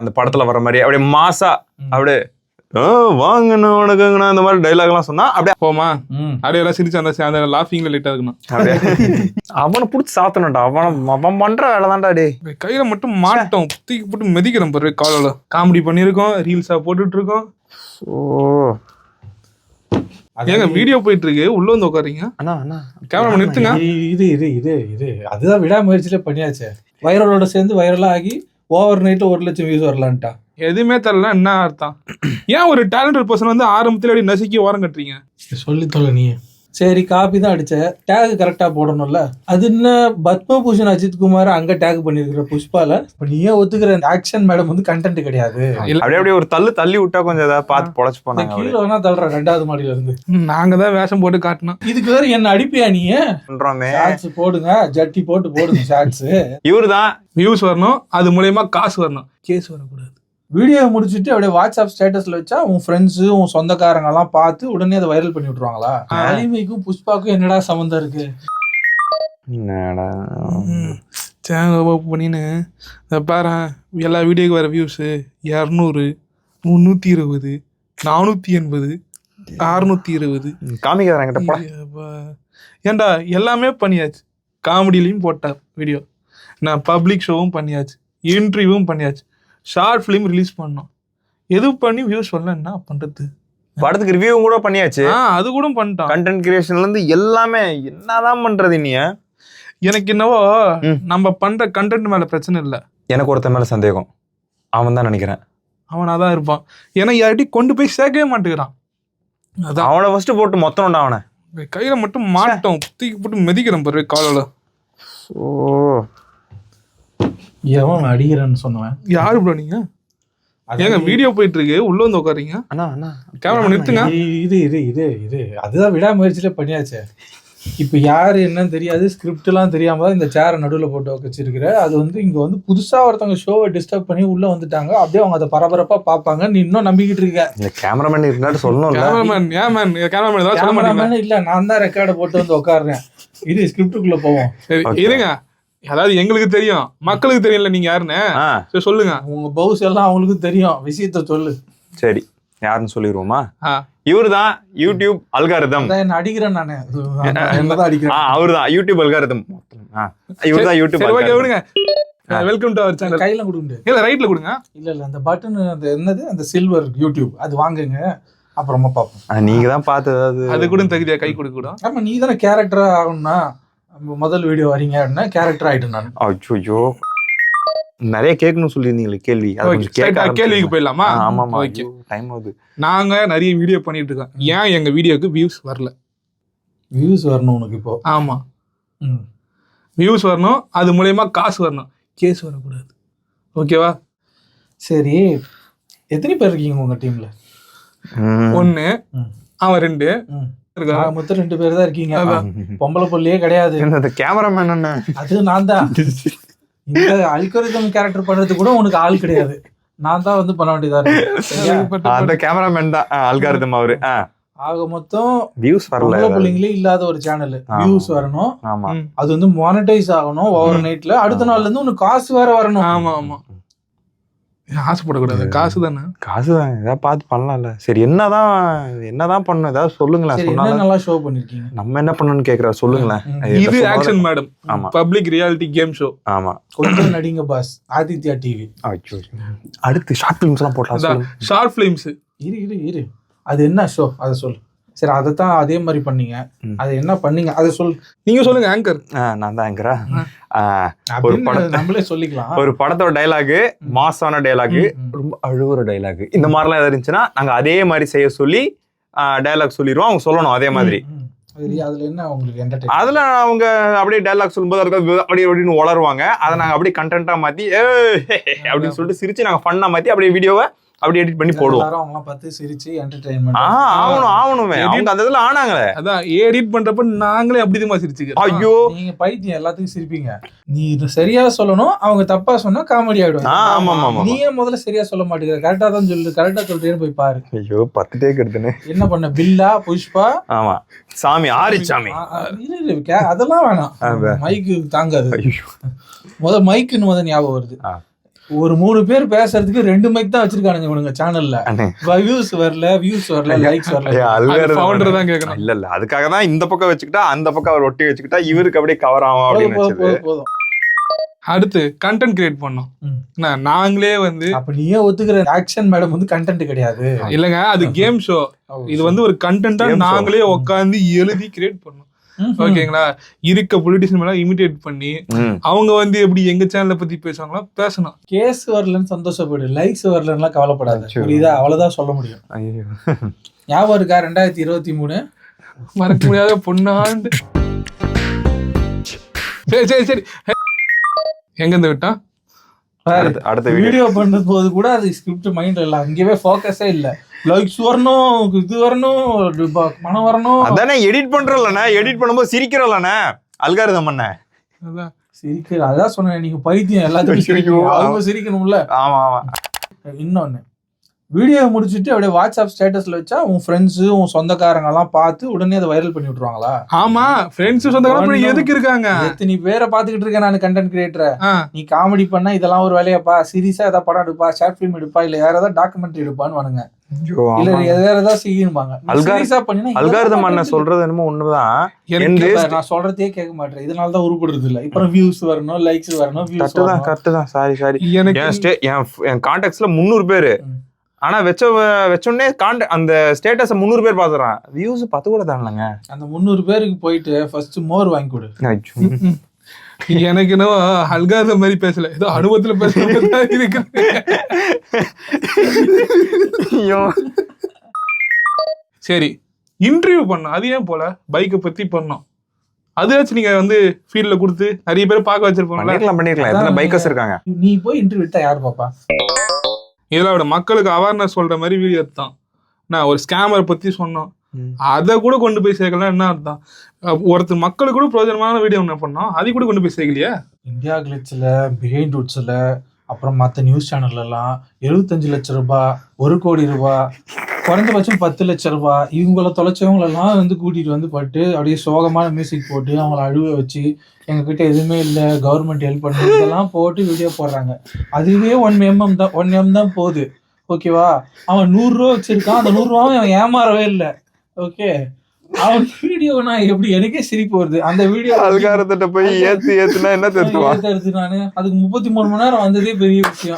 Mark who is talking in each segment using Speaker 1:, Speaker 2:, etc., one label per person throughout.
Speaker 1: அந்த படத்துல வர மாதிரி அப்படியே மாசா அப்படியே வாங்கண்ணா வணக்கங்கண்ணா இந்த மாதிரி டைலாக் எல்லாம் சொன்னா அப்படியே
Speaker 2: போமா அப்படியே எல்லாம் சிரிச்சு அந்த லாஃபிங்ல லைட்டா இருக்கணும்.
Speaker 1: அப்படியே அவனை புடிச்சு சாத்தணும்டா. அவன் பண்ற வேலை தான்டா. டே
Speaker 2: கையில மட்டும் மாட்டோம் தூக்கி போட்டு மிதிக்கிறோம் பாரு. காலையில காமெடி பண்ணிருக்கோம், ரீல்ஸா போட்டுட்டு இருக்கோம். ஏங்க வீடியோ போயிட்டு இருக்கு, உள்ள வந்து உட்காருங்க. கேமரா நிறுத்துங்க.
Speaker 3: இது அதுதான் விடாமுயற்சியில பண்ணியாச்சு. வைரலோட சேர்ந்து வைரலா ஆகி ஓவர் நைட்ல 1 லட்சம் வியூஸ் வரலான்ட்டா.
Speaker 2: எதுவுமே தரல என்ன அர்த்தம்? ஏன் ஒரு டேலண்டட் பர்சன் வந்து ஆரம்பத்துல அப்படி நசுக்கி ஓரம் கட்டுறீங்க?
Speaker 3: சொல்லி தொலை நீ. சரி காப்பி தான் அடிச்ச, டேக் கரெக்டா போடணும்ல. அது என்ன பத்மபூஷன் அஜித் குமார் அங்க டேக் பண்ணிருக்கிற புஷ்பால. இப்ப நீயே ஒத்துக்கிற ஆக்ஷன் மேடம் வந்து கண்டென்ட் கிடையாது.
Speaker 1: அப்படியே ஒரு தள்ளி விட்டா கொஞ்சம் ஏதாவது பார்த்து பொழைச்சு போனாங்க.
Speaker 3: கீழே வேணா தள்ளுற 2வது மாடியில இருந்து.
Speaker 2: நாங்க தான் வேஷம் போட்டு காட்டணும்.
Speaker 3: இதுக்கு வேற என்ன அடிப்பியா நீ? ஷார்ட்ஸ் போடுங்க, ஜட்டி போடுங்க ஷார்ட்ஸ்.
Speaker 1: இவருதான்
Speaker 2: வியூஸ் வரணும், அது மூலயமா காசு வரணும், கேஸ் வரக்கூடாது.
Speaker 3: வீடியோ முடிச்சுட்டு அப்படியே வாட்ஸ்அப் ஸ்டேட்டஸ்ல வச்சா உன் ஃப்ரெண்ட்ஸ் உன் சொந்தக்காரங்க எல்லாம் பார்த்து உடனே அதை வைரல் பண்ணி விட்டுருவாங்களா? அலிமைக்கும் புஷ்பாக்கும் என்னடா சம்பந்தம் இருக்கு?
Speaker 2: பண்ணின்னு பாரு, எல்லா வீடியோக்கு வர வியூஸ் 200, 320, 480, 620
Speaker 1: காமிக்கிறாங்க.
Speaker 2: ஏண்டா எல்லாமே பண்ணியாச்சு. காமெடியிலையும் போட்டேன் வீடியோ, நான் பப்ளிக் ஷோவும் பண்ணியாச்சு, இன்டர்வியூவும் பண்ணியாச்சு, ஷார்ட் ஃபிலிம் ரிலீஸ் பண்ணோம். எது பண்ணி வியூஸ் வரல என்ன பண்றது?
Speaker 1: படத்துக்கு ரிவ்யூ கூட பண்ணியாச்சு,
Speaker 2: அது கூட பண்ணிட்டோம்.
Speaker 1: கண்டென்ட் கிரியேஷன்ல இருந்து எல்லாமே என்னதான் பண்றது? நீ
Speaker 2: எனக்கு என்னவோ நம்ம பண்ற கண்டென்ட் மேல பிரச்சனை இல்லை,
Speaker 1: எனக்கு ஒருத்தன் மேல சந்தேகம். அவன் தான் நினைக்கிறேன்.
Speaker 2: அவனாதான் இருப்பான். ஏன்னா யார்ட்டி கொண்டு போய் சேர்க்கவே மாட்டேங்கிறான். அதான்
Speaker 1: அவனை ஃபர்ஸ்ட் போட்டு மொத்தம்டா. அவனை
Speaker 2: கையில மட்டும் மாட்டோம் தூக்கி போட்டு மிதிக்கிறோம் பாரு. காலையில
Speaker 3: எவன் அடிக்கிறேன்னு சொன்னவன் யாரு
Speaker 2: ப்ரோ? நீங்க ஏங்க வீடியோ போயிட்டு இருக்கு, உள்ள வந்து உட்காருங்க. கேமரா நிறுத்துங்க.
Speaker 3: இது அதுதான் விடாமுயற்சியில பண்ணியாச்சு. இப்ப யாரு என்னன்னு தெரியாது, ஸ்கிரிப்ட் எல்லாம் தெரியாம தான் இந்த சேரை நடுவில் போட்டு வச்சிருக்கிற. அது வந்து இங்க வந்து புதுசா ஒருத்தவங்க ஷோவை டிஸ்டர்ப் பண்ணி உள்ள வந்துட்டாங்க. அப்படியே அவங்க அதை பரபரப்பா பாப்பாங்க. நீ இன்னும் நம்பிக்கிட்டு இருக்க.
Speaker 1: இந்த கேமராமேன் இருந்தாலும் சொல்லணும்.
Speaker 3: கேமராமேன் இல்ல, நான் தான் ரெக்கார்டை போட்டு வந்து உட்காடுறேன். இது ஸ்கிரிப்டுக்குள்ள போவோம்.
Speaker 2: இருங்க. அதாவது எங்களுக்கு தெரியும், மக்களுக்கு தெரியல நீங்க யாருன்னு சொல்லுங்க.
Speaker 3: உங்க பவுஸ் எல்லாம் அவங்களுக்கு தெரியும், விஷயத்த சொல்லு.
Speaker 1: சரி, யாருன்னு சொல்லிடுவோமா? இவருதான் யூடியூப் அல்காரிதம்.
Speaker 3: என்ன அடிக்கிறேன் நானு, என்னதான் அடிக்கிறேன்.
Speaker 1: அவருதான் யூடியூப் அல்காரிதம். இவருதான் யூடியூப்.
Speaker 2: வெல்கம் டு அவர் சேனல்.
Speaker 3: கையில கொடுங்க,
Speaker 2: இல்ல ரைட்ல கொடுங்க.
Speaker 3: இல்ல அந்த பட்டன், அந்த என்னது, அந்த சில்வர் யூடியூப் அது வாங்குங்க, அப்புறமா பாப்போம்.
Speaker 1: நீங்க தான் பார்த்து
Speaker 2: அது கூட தகுதியா கை கொடுக்க கூட.
Speaker 3: ஆமா, நீ தானே கேரக்டரா ஆகணும்னா முதல் வீடியோ வரீங்க அப்படின்னா கேரக்டர் ஆயிட்டு நான்.
Speaker 1: அச்சோ, நிறைய கேட்கணும் சொல்லியிருந்தீங்களே கேள்வி.
Speaker 2: கேள்விக்கு போயிடலாமா?
Speaker 1: ஆமாமா, டைம் ஆகுது.
Speaker 2: நாங்க நிறைய வீடியோ பண்ணிட்டு இருக்கோம். ஏன் எங்க வீடியோக்கு வியூஸ் வரல?
Speaker 3: வியூஸ் வரணும் உனக்கு இப்போ.
Speaker 2: ஆமா, வியூஸ் வரணும், அது மூலயமா காசு வரணும், கேஸ் வரக்கூடாது. ஓகேவா?
Speaker 3: சரி, எத்தனை பேர் இருக்கீங்க உங்க டீம்ல?
Speaker 2: 1, அவன் 2,
Speaker 3: மொத்தம் 2 பேர் தான் இருக்கீங்க. பொம்பளை பொல்லையே கிடையாது.
Speaker 1: கேமராமேன் என்ன?
Speaker 3: அது நான் தான். இந்த அல்காரிதம் கேரக்டர் பண்றது கூட உனக்கு ஆள் கிடையாது, நான் தான் வந்து பண்ண வேண்டியதா இருக்கு.
Speaker 1: அந்த கேமராமேன் தான் அல்காரிதம் அவரு.
Speaker 3: ஆக மொத்தம்
Speaker 1: வியூஸ் வரல.
Speaker 3: பொம்பளை பிள்ளைங்களே இல்லாத ஒரு சேனல், வியூஸ் வரணும்.
Speaker 1: ஆமா,
Speaker 3: அது வந்து மானிட்டைஸ் ஆகணும் ஓவர் நைட்ல. அடுத்த நாள்ல இருந்து உனக்கு காசு வேற வரணும்.
Speaker 2: ஆமா ஆமா, ஆசைப்படக்கூடாது. காசு தானே,
Speaker 1: காசு தான். ஏதாவது பார்த்து பண்ணலாம்ல. சரி, என்னதான் பண்ணணும், ஏதாவது சொல்லுங்களேன்.
Speaker 3: நல்லா ஷோ பண்ணிருக்கீங்க.
Speaker 1: நம்ம என்ன பண்ணணும்னு கேக்குறாரு, சொல்லுங்களேன்.
Speaker 2: இது ஆக்ஷன் மேடம். ஆமா, பப்ளிக் ரியாலிட்டி கேம் ஷோ.
Speaker 1: ஆமா,
Speaker 3: கொஞ்சம் நடிங்க பாஸ். ஆதித்யா டிவி.
Speaker 1: அடுத்து ஷார்ட் பிலிம்ஸ் எல்லாம் போடலாம்.
Speaker 2: ஷார்ட் பிலிம்ஸ்
Speaker 3: இரு அது என்ன ஷோ அதை சொல்லு. சரி, அதைத்தான் அதே மாதிரி பண்ணீங்க, அது என்ன பண்ணீங்க அதை சொல்லு.
Speaker 2: நீங்க சொல்லுங்க ஆங்கர்.
Speaker 1: நான் தான் ஆங்கரா.
Speaker 3: ஒரு படம் நம்மளே சொல்லிக்கலாம்.
Speaker 1: ஒரு படத்தோட டைலாக் மாசான டைலாக், ரொம்ப அழுகுற டைலாக், இந்த மாதிரிலாம் எதாவது இருந்துச்சுன்னா நாங்க அதே மாதிரி செய்ய சொல்லி டைலாக் சொல்லிடுவோம். அவங்க சொல்லணும் அதே மாதிரி.
Speaker 3: அதுல என்ன உங்களுக்கு
Speaker 1: அதுல அவங்க அப்படியே டைலாக் சொல்லும்போது அதுக்கு அப்படியே அப்படின்னு வளருவாங்க. அதை நாங்க அப்படியே கண்டென்ட்டா மாத்தி அப்படின்னு சொல்லிட்டு சிரிச்சு நாங்க ஃபன்னா மாத்தி அப்படியே வீடியோவை அப்படி எடிட் பண்ணி போடுவோம்.
Speaker 3: அவங்கலாம் பார்த்து சிரிச்சு என்டர்டெயின்மென்ட்
Speaker 1: ஆவணுமே. அவங்க அந்த இதெல்லாம் ஆனாங்களே.
Speaker 2: அதான் எடிட் பண்றப்ப நாங்களே அப்படிதான் சிரிச்சுக்கிறோம்.
Speaker 1: ஐயோ,
Speaker 3: நீங்க பைத்தியம், எல்லாத்துக்கும் சிரிப்பீங்க. நீ இது சரியா சொல்லணும், அவங்க தப்பா சொன்னா காமெடி ஆயிடும்.
Speaker 1: ஆமா,
Speaker 3: நீயே முதல்ல சரியா சொல்ல மாட்டேங்கிற. கரெக்டா தான் சொல்லு, கரெக்டா சொல்றேன்னு போய் பாரு.
Speaker 1: ஐயோ, 10 டேக் எடுத்துனே
Speaker 3: என்ன பண்ண? பில்லா, புஷ்பா,
Speaker 1: ஆமா, சாமி, ஆரிச்சாமி,
Speaker 3: அதெல்லாம் வேணாம். மைக்கு தாங்காது. முதல் மைக்குன்னு ஞாபகம் வருது. ஒரு 3 பேர் பேசுறதுக்கு 2 மைக் தான் வச்சிருக்கானுங்க இவனுங்க சேனல்ல.
Speaker 1: அண்ணே.
Speaker 3: வியூஸ் வரல, லைக்ஸ் வரல.
Speaker 2: ஃபவுண்டர் தான் கேட்கணும்.
Speaker 1: இல்ல அதுக்காக தான் இந்த பக்கம் வச்சுக்கிட்டா அந்த பக்கம் அவர் ஒட்டி வச்சுக்கிட்டா இவருக்கு அப்படியே கவர் ஆகும் அப்படின்னு வச்சது.
Speaker 3: போதும்.
Speaker 2: அடுத்து கண்டென்ட் கிரியேட் பண்ணோம். நாங்களே வந்து
Speaker 3: அப்ப நீயே ஒத்துக்கிற ஆக்ஷன் மேடம் வந்து கண்டென்ட் கிடையாது.
Speaker 2: இல்லங்க, அது கேம் ஷோ. இது வந்து ஒரு கண்டென்ட்டா
Speaker 1: Game show.
Speaker 2: நாங்களே உட்காந்து எழுதி கிரியேட் பண்ணோம். ஓகேங்களா? இருக்க பொலிட்டிஷியன் மேல இமிடேட் பண்ணி அவங்க வந்து எப்படி எங்க சேனலை பத்தி பேசுவாங்களோ பேசணும்.
Speaker 3: கேஸ் வரலன்னு சந்தோஷப்படு, லைக்ஸ் வரலன்னா கவலைப்படாத. புரியுதா? அவ்வளவுதான் சொல்ல முடியும்.
Speaker 1: ஐயோ.
Speaker 3: ஞாபகம் இருக்கா 2023
Speaker 2: மறக்க முடியாத பொண்ணாண்டு. சரி எங்க இருந்து விட்டா
Speaker 1: அடுத்த
Speaker 3: வீடியோ பண்ணும் போது கூட அது ஸ்கிரிப்ட் மைண்ட்ல இல்ல, அங்கேயே ஃபோக்கஸே இல்ல. லைக்ஸ் வரணும், இது வரணும், பணம் வரணும்.
Speaker 1: அதானே எடிட் பண்றோம்லண்ணே, எடிட் பண்ணும்போது சிரிக்கிறோம்லண்ணே, அல்காரிதம் பண்ண
Speaker 3: சிரிக்கிற. அதான் சொன்னேன், நீங்க பைத்தியம் எல்லாத்துக்கும் சிரிக்கணும், அவங்க சிரிக்கணும்ல.
Speaker 1: ஆமா ஆமா.
Speaker 3: இன்னொன்னு, வீடியோ முடிச்சுட்டு அப்படியே வாட்ஸ்அப் ஸ்டேட்டஸ்ல வச்சா உன் ஃப்ரெண்ட்ஸ் உன் சொந்தக்காரங்க எல்லாம் பார்த்து உடனே அதை வைரல் பண்ணி விட்டுருவாங்களா?
Speaker 2: ஆமா, ஃப்ரெண்ட்ஸ் சொந்தக்காரங்க எதுக்கு இருக்காங்க?
Speaker 3: நீ பேரை பாத்துக்கிட்டு இருக்க, நான் கண்டென்ட் கிரியேட்டர். நீ காமெடி பண்ணா இதெல்லாம் ஒரு வேலையாப்பா, சீரியஸா ஏதாவது படம் எடுப்பா, ஷார்ட் பிலிம் எடுப்பா, இல்ல வேற ஏதாவது டாக்குமெண்ட்ரி எடுப்பான்னு வானுங்க. இல்ல வேற ஏதாவது செய்யணும்பாங்க.
Speaker 1: அல்காரிதம் பண்ண சொல்றது என்னமோ ஒண்ணுதான்.
Speaker 3: நான் சொல்றதே கேட்க மாட்டேன், இதனாலதான் உருப்படுறது இல்ல. இப்ப வியூஸ் வரணும், லைக்ஸ் வரணும்.
Speaker 1: கரெக்ட் தான். சாரி என் கான்டாக்ட்ஸ்ல 300 பேரு. ஆனா வச்சோடனே அந்த ஸ்டேட்டஸ் 300 பேர் பாத்துறான், வியூஸ் 10 கூட தானங்க. அந்த
Speaker 3: 300 பேருக்கு போயிட்டு ஃபர்ஸ்ட் மோர் வாங்கி கொடு.
Speaker 2: எனக்கு என்னவோ அல்காரிதம் மாதிரி பேசல, ஏதோ அனுபவத்துல பேச இருக்கு. சரி, இன்டர்வியூ பண்ணோம். அது ஏன் போல பைக்கை பத்தி பண்ணோம். அதாச்சும் நீங்க வந்து ஃபீல்ட்ல கொடுத்து நிறைய பேர் பார்க்க வச்சிருப்போம்.
Speaker 1: பண்ணிருக்கலாம். எத்தனை பைக்கர்ஸ் இருக்காங்க.
Speaker 3: நீ போய் இன்டர்வியூ எடுத்தா யாரு பாப்பா?
Speaker 2: இதோட மக்களுக்கு அவேர்னஸ் சொல்ற மாதிரி வீடியோ தான். நான் ஒரு ஸ்கேமரை பத்தி சொன்னோம், அதை கூட கொண்டு போய் சேர்க்கலாம். என்ன அர்த்தம்? ஒருத்தர் மக்களுக்கு கூட பிரயோஜனமான வீடியோ என்ன பண்ணோம், அதை கூட கொண்டு போய் சேர்க்கலையா?
Speaker 3: இந்தியா கிளிட்ஸ்ல, பிஹைண்ட் ரூட்ஸ்ல, அப்புறம் மற்ற நியூஸ் சேனல்ல எல்லாம் 75 லட்சம் ரூபாய், 1 கோடி ரூபாய், குறைஞ்சபட்சம் 10 லட்சம் ரூபாய், இவங்கள தொலைச்சவங்களெல்லாம் வந்து கூட்டிட்டு வந்து பட்டு அப்படியே சோகமான மியூசிக் போட்டு அவங்கள அழுவ வச்சு எங்ககிட்ட எதுவுமே இல்லை, கவர்மெண்ட் ஹெல்ப் பண்ணு, இதெல்லாம் போட்டு வீடியோ போடுறாங்க. அதுவே 1 M தான் போகுது. ஓகேவா? அவன் 100 ரூபா வச்சிருக்கான், அந்த 100 ரூபாவும் அவன் ஏமாறவே இல்லை. ஓகே, அவன் வீடியோ நான் எப்படி, எனக்கே சிரிப்பு வருது. அந்த வீடியோ
Speaker 1: அல்காரத்திட்ட போய் ஏத்துனா என்ன
Speaker 3: எடுத்து நானு அதுக்கு 33 மணி நேரம் வந்ததே பெரிய விஷயம்.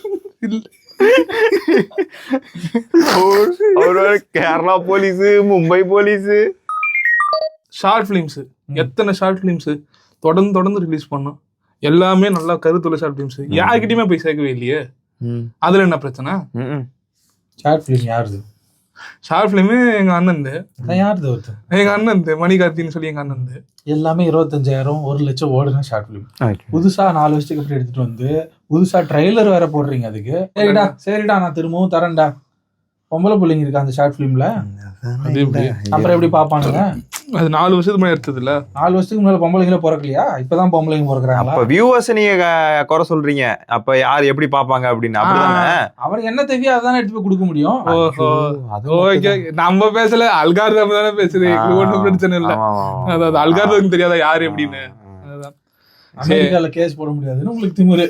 Speaker 1: Kerala police, Mumbai police,
Speaker 2: short films, எத்தனை ஷார்ட் பிலிம்ஸ் தொடர்ந்து ரிலீஸ் பண்ணோம். எல்லாமே நல்லா கருத்துள்ள ஷார்ட் பிலிம்ஸ், யாருக்கிட்டயுமே போய் சேர்க்கவே இல்லையே. அதுல என்ன பிரச்சனை?
Speaker 3: ஷார்ட் பிலிம் யாருது?
Speaker 2: ஷார்ட் பிலிம் எங்க அண்ணன்,
Speaker 3: யாருது? ஒருத்தர்
Speaker 2: எங்க அண்ணன் மணிகார்த்தின்னு சொல்லி எங்க அண்ணன்.
Speaker 3: எல்லாமே 25,000 1 லட்சம் ஓடுன ஷார்ட் பிலிம். புதுசா 4 வருஷத்துக்கு அப்புறம் எடுத்துட்டு வந்து புதுசா ட்ரைலர் வேற போடுறீங்க அதுக்கு. சரிடா நான் திரும்பவும் தரேன்டா. பொம்பளை பிள்ளைங்க இருக்கா அந்த ஷார்ட் பிலிம்ல, அப்புறம் எப்படி பாப்பானுங்க?
Speaker 2: அது 4 வருஷத்துக்கு முன்னாடி எடுத்தது இல்ல.
Speaker 3: 4 வருஷத்துக்கு முன்னாடி பொம்பளைங்களே பிறக்கலையா? இப்பதான் பொம்பளைங்க பிறக்கிறாங்க.
Speaker 1: அப்ப வியூவர்ஸ் நீங்க குறை சொல்றீங்க, அப்ப யார் எப்படி பாப்பாங்க அப்படின்னு. அப்படிதானே,
Speaker 3: அவருக்கு என்ன தேவையோ அதானே எடுத்து போய் கொடுக்க முடியும்.
Speaker 2: ஓகே, நம்ம பேசல, அல்காரிதம் தானே பேசுது, ஒன்றும் பிரச்சனை இல்ல. அதாவது அல்காரிதம் தெரியாதா யாரு எப்படின்னு.
Speaker 3: அமெரிக்கால கேஸ் போட முடியாதுன்னு உங்களுக்கு திமிரு.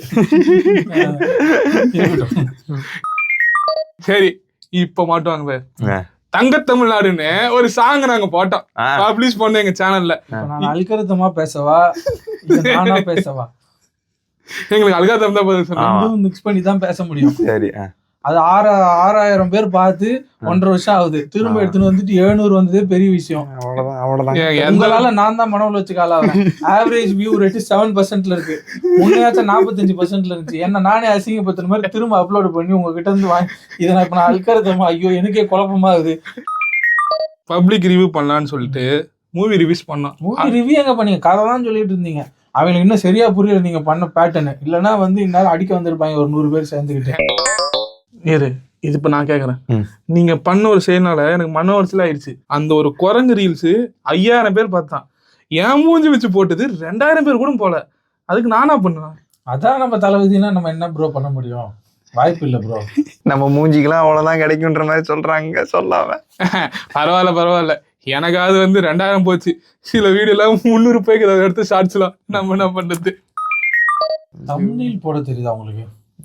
Speaker 2: சரி, இப்ப மாட்டுவாங்க. தங்க தமிழ்நாடுன்னு ஒரு சாங் நாங்க போட்டோம், பப்ளிஷ் பண்ணோம் எங்க சேனல்ல.
Speaker 3: நான் அல்காரிதமா பேசவா நானா பேசவா?
Speaker 2: எங்களுக்கு அல்காரிதம் தான் பதில் சொன்னோம்,
Speaker 3: மிக்ஸ் பண்ணி தான் பேச முடியும்.
Speaker 1: சரி,
Speaker 3: அது 6,000 பேர் பார்த்து 1.5 வருஷம் ஆகுது. திரும்ப எடுத்துன்னு வந்துட்டு 700 வந்ததே பெரிய விஷயம். உங்களால நான் தான் மனவுல வச்சு காலாவேன். ஆவரேஜ் வியூ ரேட் 7% இருக்கு. முன்னையாச்சும் 45% இருந்துச்சு. என்ன நானே அசிங்கப்படுத்துற மாதிரி திரும்ப அப்லோட் பண்ணி உங்ககிட்ட இருந்து வாங்கி இதை நான் இப்ப நான் அல்காரிதமா, ஐயோ எனக்கே குழப்பமா ஆகுது.
Speaker 2: பப்ளிக் ரிவ்யூ பண்ணலான்னு சொல்லிட்டு மூவி ரிவ்யூஸ் பண்ணோம்.
Speaker 3: மூவி ரிவ்யூ எங்க பண்ணீங்க? கதை தான் சொல்லிட்டு இருந்தீங்க. அவங்களுக்கு இன்னும் சரியா புரியல நீங்க பண்ண பேட்டர்னு. இல்லைன்னா வந்து இந்நேரம் அடிக்க வந்திருப்பாங்க ஒரு 100 பேர் சேர்ந்துக்கிட்டு.
Speaker 2: இது இப்ப நான் கேக்குறேன், நீங்க பண்ண ஒரு செயல்னால எனக்கு மன உளைச்சல் ஆயிடுச்சு. அந்த ஒரு குரங்கு ரீல்ஸ் 5000 பேர் பார்த்தான், என் மூஞ்சி வச்சு போட்டது 2000 பேர் கூட போல. அதுக்கு நானா பண்ணுவேன்?
Speaker 3: அதான் நம்ம தலைவிதினா நம்ம என்ன ப்ரோ பண்ண முடியும்? வாய்ப்பு இல்ல ப்ரோ.
Speaker 1: நம்ம மூஞ்சிக்கெல்லாம் அவ்வளவுதான் கிடைக்கும்ன்ற மாதிரி சொல்றாங்க. சொல்லாம
Speaker 2: பரவாயில்ல. எனக்காவது வந்து 2000 போச்சு. சில வீடியோ எல்லாம் 300 ரூபாய்க்கு எடுத்து ஷார்ட்ஸ்லாம் நம்ம என்ன பண்றது?
Speaker 3: தம்ப்நெயில் போட தெரியுதா உங்களுக்கு?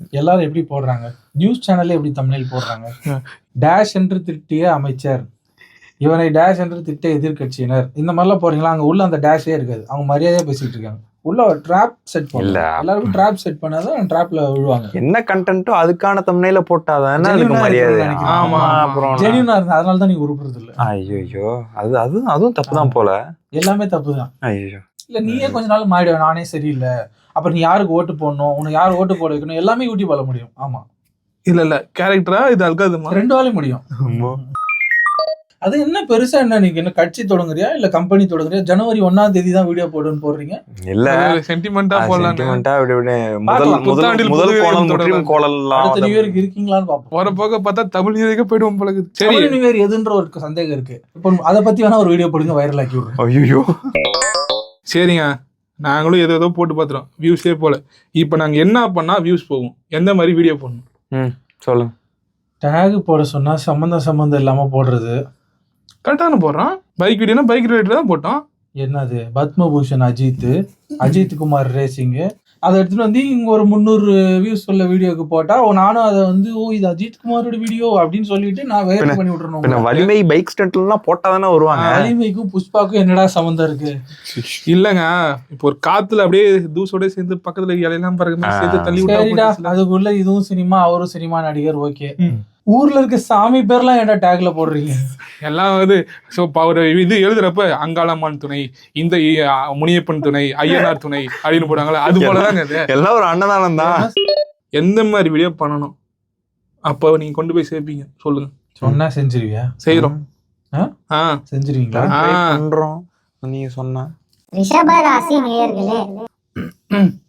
Speaker 3: எல்லாரும் எப்படி போடுறாங்க, நியூஸ் சேனல்ல எப்படி தமிழில் போடுறாங்க, டேஷ் என்று திட்டிய அமைச்சர், இவனை டேஷ் என்று திட்ட எதிர்கட்சியினர், இந்த மாதிரிலாம் போறீங்களா? அங்க உள்ள அந்த டேஷே இருக்காது, அவங்க மரியாதையா பேசிட்டு இருக்காங்க. உள்ள ட்ராப் செட் பண்ணல, எல்லாருக்கும் ட்ராப் செட் பண்ணாதான் ட்ராப்ல விழுவாங்க.
Speaker 1: என்ன கண்டென்ட்டோ அதுக்கான தம்ப்நெயில போட்டாதானே அதுக்கு மரியாதை.
Speaker 2: ஆமா,
Speaker 1: அப்புறம்
Speaker 3: ஜெனியூனா இருந்தா அதனால தான் நீங்க உருப்புறது இல்ல.
Speaker 1: ஐயோ அதுவும் தப்பு தான் போல.
Speaker 3: எல்லாமே தப்பு தான்.
Speaker 1: ஐயோ
Speaker 3: இல்ல நீயே கொஞ்ச நாள் மாறிடுவ, நானே சரியில்லை, அப்புறம் நீ யாருக்கு ஓட்டு போடணும், உனக்கு யார் ஓட்டு போட வைக்கணும், எல்லாமே யூடியூப்ல முடியும். ஆமா,
Speaker 2: இல்ல கேரக்டரா இது அல்காதுமா,
Speaker 3: 2 வேலையும் முடியும். அது என்ன பெருசா என்ன, நீங்க என்ன கட்சி தொடங்குறியா இல்ல கம்பெனி தொடங்குறியா? ஜனவரி 1ஆம் தேதி தான் வீடியோ போடுன்னு போடுறீங்க.
Speaker 1: இல்ல
Speaker 2: சென்டிமெண்டா போடலாம்.
Speaker 1: சென்டிமெண்டா
Speaker 3: பார்க்கலாம்.
Speaker 1: முதல் கோணல் முற்றிலும் கோலல்லாம்
Speaker 3: அடுத்த நியூ இயருக்கு இருக்கீங்களான்னு பாப்போம்.
Speaker 2: வர போக பார்த்தா தமிழ் நியூ இயருக்கு போயிடுவோம் போல இருக்குது. சரி,
Speaker 3: தமிழ் நியூ இயர் எதுன்ற ஒரு சந்தேகம் இருக்கு. இப்போ அதை பத்தி வேணா ஒரு வீடியோ போடுங்க, வைரல் ஆக்கி விடுறேன்.
Speaker 1: ஐயோ
Speaker 2: சரிங்க, நாங்களும் ஏதோ போட்டு பார்த்துறோம், வியூஸே போல. இப்போ நாங்க என்ன பண்ணா வியூஸ் போகும், எந்த மாதிரி வீடியோ போடணும்
Speaker 1: சொல்லுங்க.
Speaker 3: டேக் போட சொன்னா சம்பந்தம் இல்லாம போடுறது
Speaker 2: கரெக்டான போடுறோம். பைக் வீடியோனா பைக் ரிலேட்டட் தான் போட்டோம்.
Speaker 3: என்னது பத்மபூஷன் அஜித் குமார் ரேசிங், அதை எடுத்துட்டு வந்து இங்க ஒரு 300 வியூஸ் உள்ள வீடியோக்கு போட்டா நானும் அதை வந்து இது அஜித் குமாரோட வீடியோ அப்படின்னு சொல்லிட்டு நான் வைரல் பண்ணி விட்டுறேன்.
Speaker 1: வலிமை பைக் ஸ்டண்ட்லாம் போட்டாதானே வருவாங்க.
Speaker 3: வலிமைக்கும் புஷ்பாக்கும் என்னடா சம்பந்தம் இருக்கு?
Speaker 2: இல்லங்க, இப்போ ஒரு காத்துல அப்படியே தூசோட சேர்ந்து பக்கத்துல இலையெல்லாம் பாருங்க சேர்த்து தள்ளி
Speaker 3: விட்டா அதுக்குள்ள இதுவும் சினிமா, அவரும் சினிமா நடிகர். ஓகே, ஊர்ல இருக்க சாமி பேர்லாம் என்ன டேக்ல போடுறீங்க?
Speaker 2: எல்லாம் வந்து இது எழுதுறப்ப அங்காளம்மான் துணை, இந்த முனியப்பன் துணை, ஐயனார் துணை அப்படின்னு போடுறாங்களா, அது போலதாங்க இது.
Speaker 1: எல்லாம் ஒரு அன்னதானம் தான்.
Speaker 2: எந்த மாதிரி வீடியோ பண்ணணும் அப்ப நீங்க கொண்டு போய் சேர்ப்பீங்க சொல்லுங்க.
Speaker 3: சொன்னா செஞ்சிருவியா?
Speaker 2: செய்யறோம்.
Speaker 3: செஞ்சிருவீங்களா?
Speaker 1: பண்றோம் நீங்க சொன்னா.
Speaker 4: ரிஷப ராசி நேயர்களே,